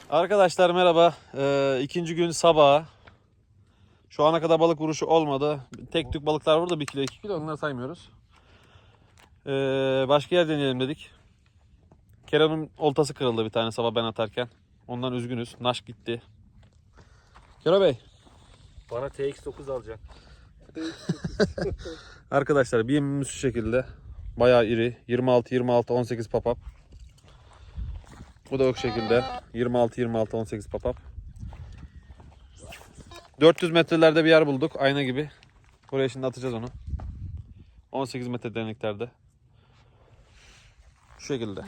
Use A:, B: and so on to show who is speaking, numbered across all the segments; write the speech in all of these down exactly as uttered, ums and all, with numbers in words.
A: Arkadaşlar merhaba. Ee, ikinci gün sabah. Şu ana kadar balık vuruşu olmadı. Tek tük balıklar var da bir kilo iki kilo, onları saymıyoruz. Ee, başka yer deneyelim dedik. Kerem'in oltası kırıldı bir tane sabah ben atarken. Ondan üzgünüz. Naş gitti. Kerem Bey.
B: Bana T X dokuz alacaksın.
A: Arkadaşlar bir yemimiz şu şekilde. Bayağı iri. yirmi altı yirmi altı on sekiz papap. Bu da o şekilde. yirmi altı yirmi altı on sekiz papap. dört yüz metrelerde bir yer bulduk. Ayna gibi. Buraya şimdi atacağız onu. on sekiz metre derinliklerde. Şu şekilde.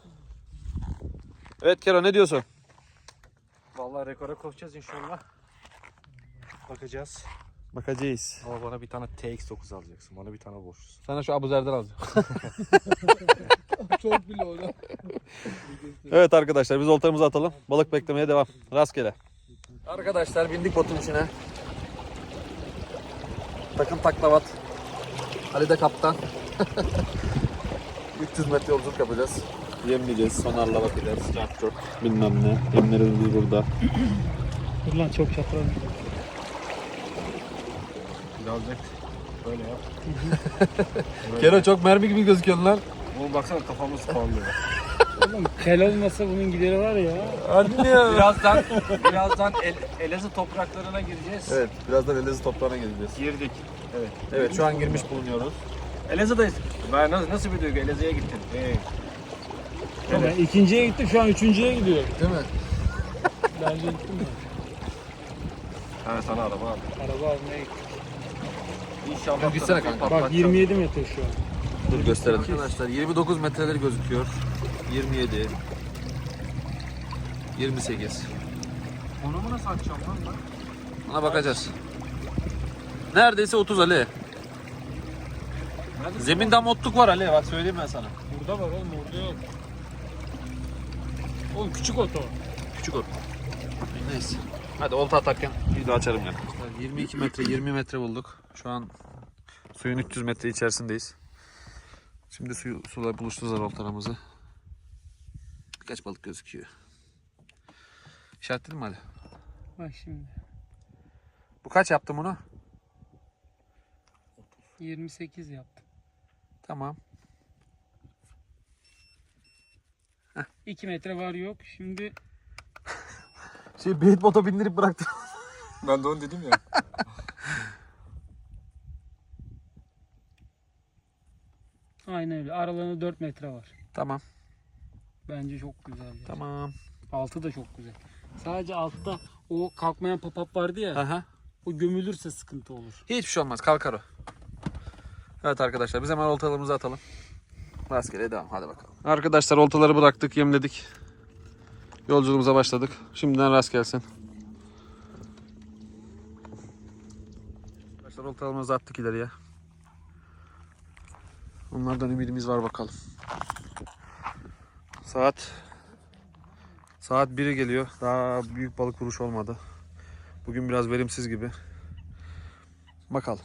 A: Evet Kero, ne diyorsun?
B: Vallahi rekora koşacağız inşallah. Bakacağız.
A: Bakacağız.
B: Ama bana bir tane T X dokuz alacaksın. Bana bir tane borçlusun.
A: Sana şu Abuzer'den alacağım.
C: Çok bile o da.
A: Evet arkadaşlar, biz oltamızı atalım. Balık beklemeye devam. Rastgele. Arkadaşlar bindik botun içine. Takım taklavat. Ali de kaptan. üç yüz metre yolculuk yapacağız. Yemleyeceğiz, sonarla bakacağız. Çarp çort bilmem ne. Yemlerimiz burada.
C: Dur lan çok çapraz.
B: Biraz net. Böyle yap.
A: Kero çok mermi gibi gözüküyorsun lan.
B: Oğlum baksana kafamız parlıyor.
C: Oğlum kel olmasa bunun gideri var ya.
A: Harbi mi ya?
B: birazdan birazdan El, Elazığ topraklarına gireceğiz.
A: Evet, birazdan Elazığ toprağına geleceğiz.
B: Girdik. Evet.
A: Evet, şu an girmiş bulunuyoruz.
B: Elazığ'dayız. Ben nasıl, nasıl bir duygu? Elazığ'a gittin. Hey.
C: Ben ikinciye gittim, şu an üçüncüye gidiyor.
A: Değil mi?
C: Bence gittim mi?
B: Ha sana araba aldım.
C: Araba almaya gittim.
B: İnşallah.
A: Gitsene kanka.
C: Bak yirmi yedi metre şu an.
A: Dur gösterelim. Arkadaşlar yirmi dokuz metreler gözüküyor. yirmi yedi. yirmi sekiz.
B: Onu mu nasıl açacağım lan ben?
A: Ona bakacağız. Neredeyse otuz Ali.
B: Nerede?
A: Zeminde motluk var Ali. Bak söyleyeyim ben sana.
C: Burada var oğlum, orada yok. Oğlum küçük oto.
A: Küçük ot. Neyse. Hadi olta atarken video açarım yani. yirmi iki metre yirmi metre bulduk. Şu an suyun üç yüz metre içerisindeyiz. Şimdi suyu, sular buluşturacağız oltalarımızı. Birkaç balık gözüküyor. İşaretledin mi Ali?
C: Bak şimdi.
A: Bu kaç yaptım bunu?
C: yirmi sekiz yaptım.
A: Tamam.
C: iki metre var yok. Şimdi
A: Şey bait bota bindirip bıraktım.
B: Ben de onu dedim ya.
C: aynen öyle. Aralarında dört metre var.
A: Tamam.
C: Bence çok güzel. Yani.
A: Tamam.
C: Altı da çok güzel. Sadece altta o kalkmayan papap vardı ya.
A: Aha.
C: O gömülürse sıkıntı olur.
A: Hiçbir şey olmaz. Kalkar o. Evet arkadaşlar, biz hemen oltalarımızı atalım. Rastgele devam. Hadi bakalım. Arkadaşlar oltaları bıraktık, yemledik. Yolculuğumuza başladık. Şimdiden rast gelsin. Arkadaşlar oltalarımızı attık ileriye. Onlardan ümidimiz var bakalım. Saat Saat biri geliyor. Daha büyük balık vuruş olmadı. Bugün biraz verimsiz gibi. Bakalım.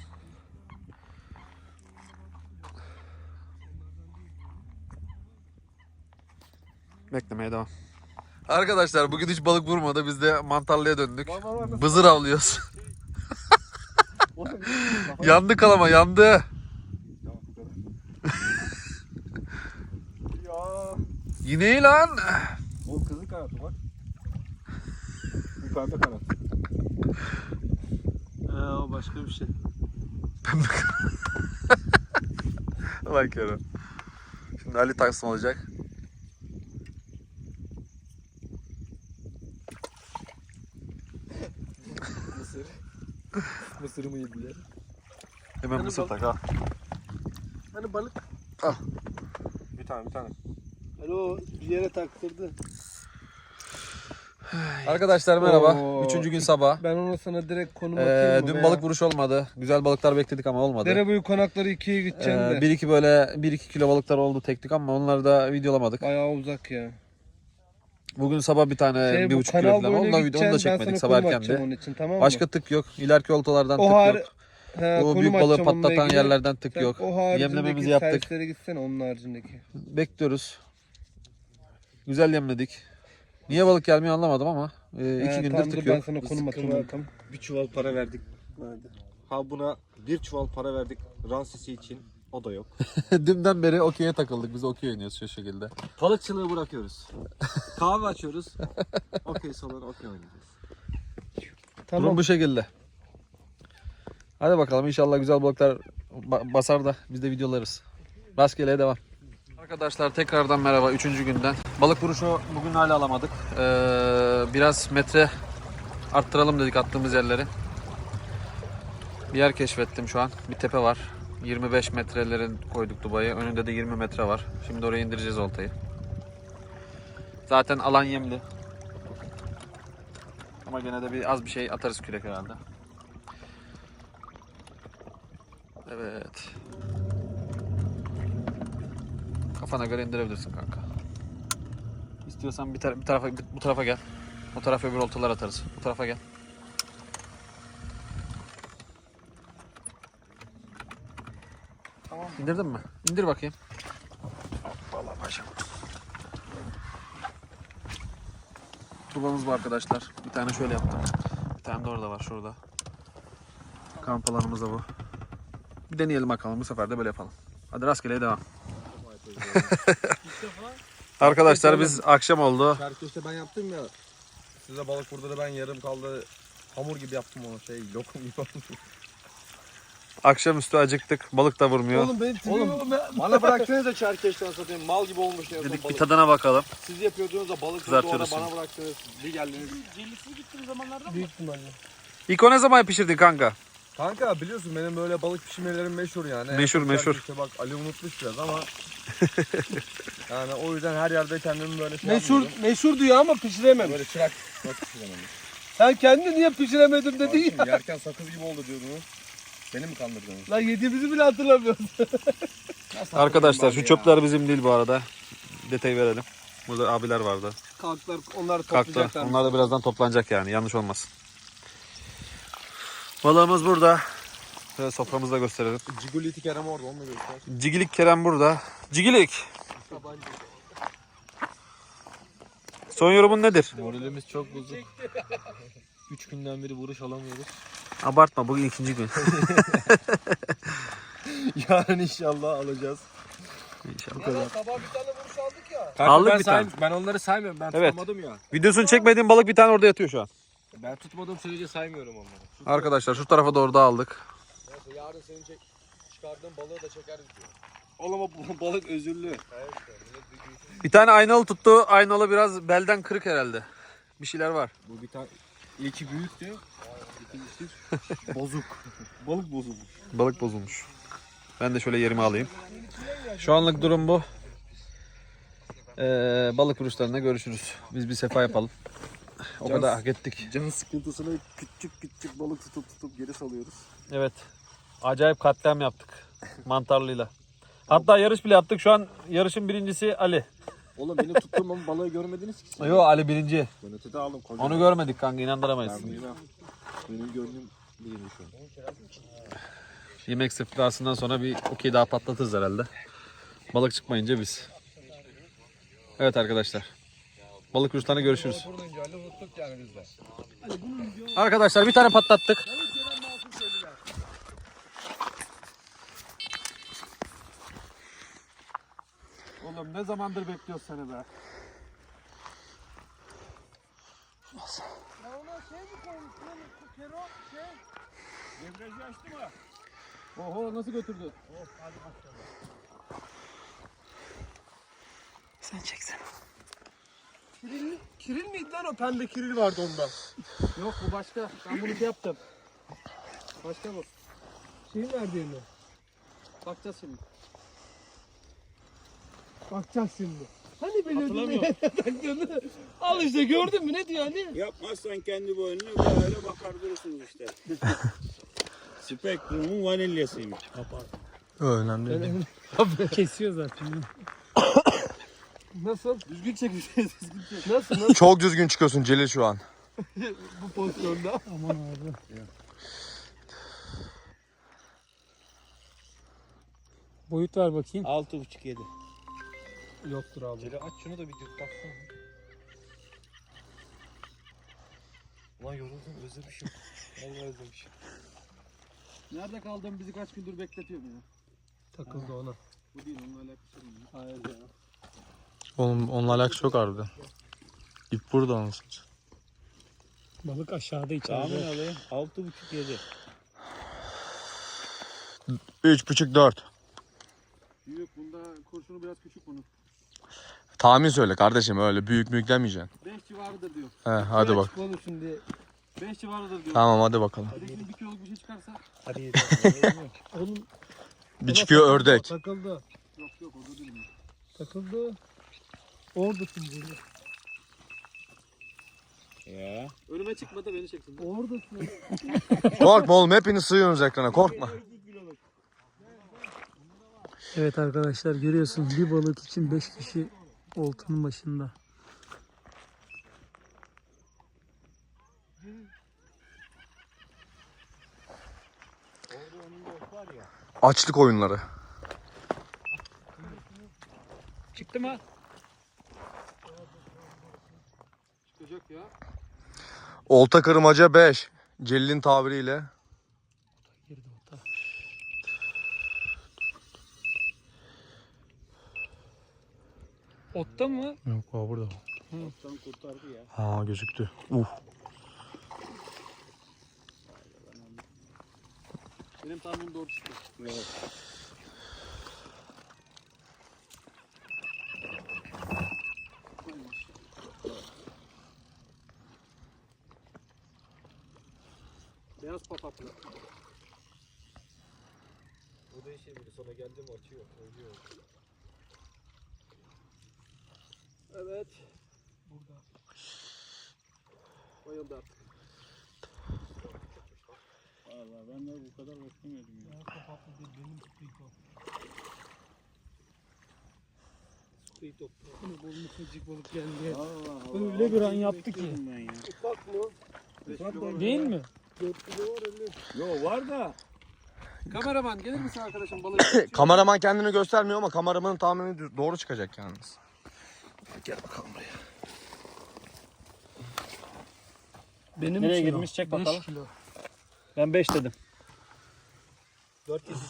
A: Beklemeye devam. Arkadaşlar bugün hiç balık vurmadı. Biz de mantarlıya döndük. Bızır avlıyoruz. yandı kalama, yandı.
B: Ya.
A: Yine iyi lan.
B: O kızıl kanatı bak. Bu pembe kanat.
C: Ee, o başka bir şey.
A: Lan Kerem. Şimdi Ali taksım olacak.
B: Mısır. Mısırımı yediler.
A: Hemen mısır tak ha.
C: Hani balık?
B: Bir tane bir tane.
C: Alo, bir yere taktırdı.
A: Arkadaşlar merhaba.
C: Oo.
A: Üçüncü gün sabah.
C: Ben ona sana direkt konum
A: Ee,
C: atayım mı
A: dün
C: be
A: balık
C: ya?
A: vuruş olmadı. Güzel balıklar bekledik ama olmadı.
C: Derebuyu konakları ikiye gideceğim
A: Ee,
C: de.
A: bir iki böyle bir iki kilo balıklar oldu teknik ama onları da videolamadık.
C: Bayağı uzak ya.
A: Bugün sabah bir tane
C: Şey,
A: bir
C: bu
A: buçuk kilo
C: kanal
A: falan.
C: boyuna
A: Onu da, onu da
C: gideceksin, ben
A: çekmedik
C: sana
A: sabah
C: konum atacağım
A: erkendi.
C: onun için, tamam mı?
A: Başka tık yok. İleriki oltalardan
C: O
A: tık
C: har-
A: yok.
C: He,
A: O
C: konum
A: büyük balığı
C: atacağım onunla
A: patlatan
C: ilgili.
A: yerlerden tık
C: Sen
A: yok.
C: O haricindeki
A: Yemlememizi yaptık.
C: servislere gitsene, onun haricindeki.
A: Bekliyoruz. Güzel yemledik. Niye balık gelmiyor anlamadım ama e, iki
B: He,
A: gündür
B: tamam, dur,
A: tıkıyor.
B: Ben sana konum atayım. Bir çuval para verdik. Ha buna bir çuval para verdik Ransisi için. O da yok.
A: Dünden beri okey'e takıldık. Biz okey oynuyoruz şu şekilde.
B: Balıkçılığı bırakıyoruz. Kahve açıyoruz. Okey salonu okey oynayacağız.
A: Durum bu şekilde. Hadi bakalım inşallah güzel balıklar ba- basar da biz de videolarız. Rastgele devam. Arkadaşlar tekrardan merhaba üçüncü günden. Balık vuruşu bugün hala alamadık. Ee, biraz metre arttıralım dedik attığımız yerleri. Bir yer keşfettim şu an. Bir tepe var. yirmi beş metrelerin koyduk Dubai'ye. Önünde de yirmi metre var. Şimdi oraya indireceğiz oltayı. Zaten alan yemli. Ama gene de bir az bir şey atarız kürek herhalde. Evet. Kafana göre indirebilirsin kanka. İstiyorsan bir, tar- bir tarafa bir- bu tarafa gel. O tarafa öbür oltalar atarız. Bu tarafa gel. Tamam. İndirdin mi? İndir bakayım. Vallahi paşam. Tubamız bu arkadaşlar. Bir tane şöyle yaptım. Bir tane de orada var şurada. Kamp alanımız da bu. Bir deneyelim bakalım. Bu sefer de böyle yapalım. Hadi rastgele devam. Arkadaşlar biz akşam oldu.
B: Çerkeşte ben yaptım ya. Size balık burada da ben yarım kaldı. Hamur gibi yaptım onu şey lokum gibi oldu.
A: Akşamüstü acıktık. Balık da vurmuyor.
B: Oğlum ben Oğlum bana bıraktınız da çerkeşten satayım. Mal gibi olmuş ya.
A: Dedik bir tadına bakalım.
B: Siz yapıyordunuz da balık
A: Kızartıyoruz
B: sonra
A: şimdi.
B: bana bıraktınız. Bir geldiniz.
C: Cellisini gittiğim zamanlarda mı?
B: Büyük ihtimalle.
A: İlk o ne zaman pişirdin kanka?
B: Kanka biliyorsun benim böyle balık pişirmelerim meşhur yani.
A: Meşhur, meşhur.
B: İşte bak Ali unutmuş biraz ama yani o yüzden her yerde kendimi böyle şey
D: Meşhur,
B: yapmıyorum.
D: meşhur diyor ama pişirememiş.
B: Böyle çırak nasıl pişiremedim?
D: Sen kendi niye pişiremedim dedin ya.
B: Şimdi yerken sakız gibi oldu diyordunuz. Beni mi kandırdınız?
D: Lan yediğimizi bile hatırlamıyorsun.
A: Arkadaşlar şu çöpler bizim değil bu arada. Detay verelim. Burada abiler vardı.
D: Kalktılar, onlar
A: Kalktı.
D: toplayacaklar.
A: Onlar da birazdan toplanacak yani. Yanlış olmasın. Balığımız burada. Şöyle soframızı da gösterelim.
B: Cigoliti Kerem orada onu da göster.
A: Cigilik Kerem burada. Cigilik. Son yorumun nedir?
B: Moralimiz çok bozuk. üç günden beri vuruş alamıyoruz.
A: Abartma bugün ikinci gün.
B: Yarın inşallah alacağız.
A: İnşallah.
D: Ya sabah bir tane vuruş aldık ya.
B: Kanka
A: Aldık
B: ben
A: bir tane.
B: saym- Ben onları saymıyorum. Ben
A: Evet.
B: tutamadım ya.
A: Videosunu çekmediğim balık bir tane orada yatıyor şu an.
B: Ben tutmadığım sürece saymıyorum onları.
A: Arkadaşlar şu tarafa doğru da aldık.
B: Neyse yarın senin çek çıkardığın balığı da çekeriz diyor. Oğlum o balık özürlü.
A: Bir tane aynalı tuttu. Aynalı biraz belden kırık herhalde. Bir şeyler var.
B: Bu bir tane ilki büyüktü. İkincisi bozuk. Balık bozulmuş.
A: Balık bozulmuş. Ben de şöyle yerimi alayım. Şu anlık durum bu. Ee, balık vuruşlarında görüşürüz. Biz bir sefa yapalım. O
B: Can-
A: kadar hak ettik.
B: Can sıkıntısına küçük küçük balık tutup tutup geri salıyoruz.
A: Evet. Acayip katliam yaptık. Mantarlıyla. Hatta yarış bile yaptık. Şu an yarışın birincisi Ali.
B: Oğlum benim tuttuğum ama balığı görmediniz ki siz.
A: Yo Ali birinci.
B: Ben ötede aldım. Koca.
A: Onu görmedik kanka, inandıramayız.
B: Ben bilmem. Benim gördüğüm birinci şu an.
A: Yemek sıfırlasından sonra bir okey daha patlatırız herhalde. Balık çıkmayınca biz. Evet arkadaşlar. Balık vuruşlarına görüşürüz. Arkadaşlar bir tane patlattık.
D: Oğlum ne zamandır bekliyoruz seni be.
B: Oho nasıl götürdü?
A: Sen çeksene.
D: Kiril, kiril miydi lan o? Pembe kiril vardı onda.
C: Yok bu başka. Ben bunu şey yaptım.
D: Başka bu. Şeyin verdiğini.
C: Bakacağız şimdi.
D: Bakacağız şimdi. Hani biliyordun ne taktığını? Al işte gördün mü ne diyor hani?
E: Yapmazsan kendi boynuna böyle bakar durursunuz işte. Spektrum'un vanilyasıymış.
B: Önemli.
C: Kesiyor zaten.
D: Nasıl?
B: Düzgün çekmiş. Düzgün çek.
D: Nasıl? Nasıl
F: Çok düzgün çıkıyorsun Celil şu an.
D: bu pozisyonda?
C: Aman abi. Boyut ver bakayım.
E: Altı buçuk yedi.
C: Yoktur abi.
B: Celi aç şunu da bir dik baksana. Ulan yoruldum, özlemişim. Vallahi özlemişim.
D: Nerede kaldın bizi kaç gündür bekletiyor ya.
B: Takıldı ona.
D: Bu değil onunla alakası yok.
B: Hayır ya.
F: Oğlum onunla alakası yok harbiden. İp burada anasını.
C: Balık aşağıda
E: Tahmin
C: içeride.
E: alayım. Altı buçuk yedi.
F: Üç buçuk dört.
D: Büyük bunda kurşunu biraz küçük bunun.
F: Tahmin söyle kardeşim, öyle büyük büyük demeyeceksin.
D: beş civarıdır diyor.
F: He hadi bak.
B: Oğlum şimdi.
D: beş civarıdır diyor.
F: Tamam hadi bakalım.
D: Bir de şimdi bir kiloluk bir şey çıkarsa.
B: Hadi yedi. Oğlum
F: Bir çıkıyor ördek.
B: takıldı.
D: Yok yok o da değil mi?
B: Takıldı. Oradasın burada.
E: Ya.
D: Önüme çıkmadı beni çeksin.
B: Oradasın.
F: Korkma oğlum, hepiniz sığıyorsunuz ekrana, korkma.
C: Evet arkadaşlar, görüyorsunuz bir balık için beş kişi oltanın başında.
F: Açlık oyunları.
C: Çıktı mı?
D: Çıkacak ya.
F: Olta kırmaca beş. Celil'in tabiriyle.
C: Girdi olta. Otta mı?
F: Yok o burada.
E: Alttan kurtardı ya.
F: Ha gözüktü. Uh.
D: Benim tahminim doğru çıktı.
E: Evet.
D: Beyaz papatlı.
B: Bu da işe biri sonra geldi mi açıyor. Ölüyor.
D: Evet. Burada. Bayıldı artık.
E: Vallahi ben de bu kadar beklemiyordum ya.
D: Papatlı değil benim squeak o. Squeak o.
C: Bunu bulmuş çocuk balık geldi.
E: Allah Allah.
C: Öyle bir an yaptı ki.
E: Bekliyordum ben ya.
D: Ufak mı? beş kilo var.
C: Değil mi?
D: dört kilo var elli.
E: Yo var da.
D: Kameraman gelir misin arkadaşım balık?
F: Kameraman kendini göstermiyor ama kameramanın tahmini doğru çıkacak yalnız. Gel bakalım buraya.
C: Benim
E: Nereye
C: kilo.
E: girmiş? Çek
C: Beş
E: bakalım.
C: kilo.
E: Ben beş dedim.
B: Dört kesici.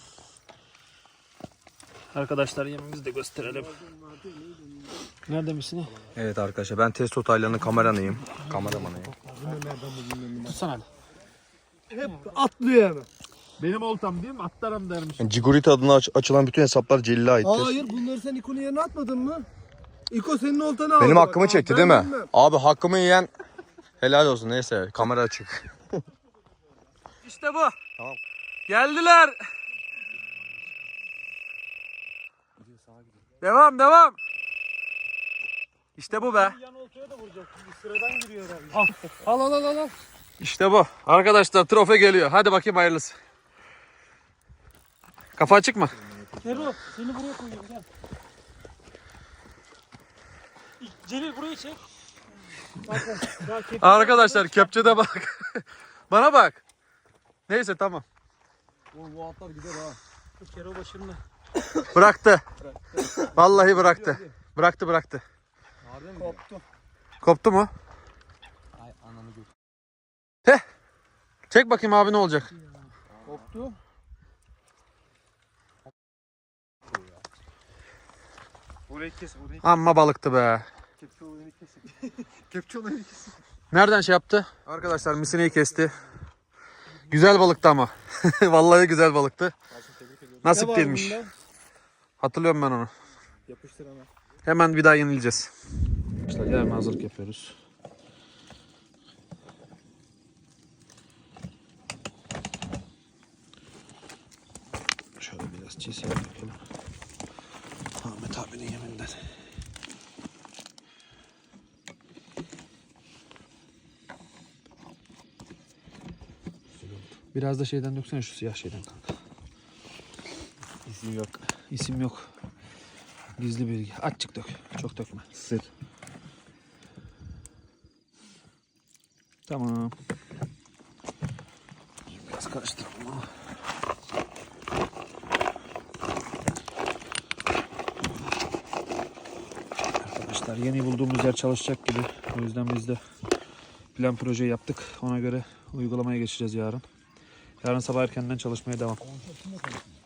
E: Arkadaşlar yemimizi de gösterelim. Nerede misin?
F: Evet arkadaşlar, ben Testo Taylan'ın kameranıyım. Kameramanıyım.
C: Tutsana hadi.
B: Hep atlıyor hemen.
D: Benim oltam değil mi? Atlarım dermiş.
F: Yani Cigurit adına aç- açılan bütün hesaplar Celil'e aittir.
B: Hayır bunları sen İko'nun yerine atmadın mı? İko senin oltanı aldı.
F: Benim
B: bak.
F: hakkımı
B: Aa,
F: çekti
B: ben
F: değil mi?
B: bilmem.
F: Abi hakkımı yiyen helal olsun, neyse kamera açık.
D: İşte bu.
F: Tamam.
D: Geldiler. Devam devam. İşte bu be.
E: Yan oltaya da vuracak. Sıradan giriyor herhalde.
D: Al al al al. al. İşte bu. Arkadaşlar trofe geliyor. Hadi bakayım hayırlısı. Kafa açık mı?
C: Nero seni buraya koyuyorum gel. Celil burayı çek. Bak bak. Daha kepçe-
D: Arkadaşlar kepçede bak. Bana bak. Neyse tamam.
B: Oğlum bu atlar gider ha.
C: Bu kero başında.
D: Bıraktı. Vallahi bıraktı. Bıraktı bıraktı.
B: Harbi mi? Koptu.
D: Koptu mu?
B: Ay ananı gör.
D: Çek bakayım abi ne olacak?
B: Koptu. Orayı kes orayı.
D: Amma balıktı be.
B: Kepçe olayını kesin. Kepçe olayını kesin.
D: Nereden şey yaptı? Arkadaşlar misineyi kesti. Güzel balıktı ama. Vallahi güzel balıktı. Nasip değilmiş. Hatırlıyorum ben onu.
B: Yapıştır hemen.
D: Hemen bir daha yenileceğiz. İşte yarın hazırlık yapıyoruz. Şöyle biraz çiğ yapalım. Ahmet abinin yeminden. Biraz da şeyden döksene, şu siyah şeyden kanka. İsim yok. İsim yok. Gizli bilgi. Açık dök. Çok dökme.
B: Sır.
D: Tamam. Biraz karıştıralım ama. Arkadaşlar yeni bulduğumuz yer çalışacak gibi. O yüzden biz de
A: Plan projeyi yaptık. Ona göre uygulamaya geçeceğiz yarın. Yarın sabah erkenden çalışmaya devam.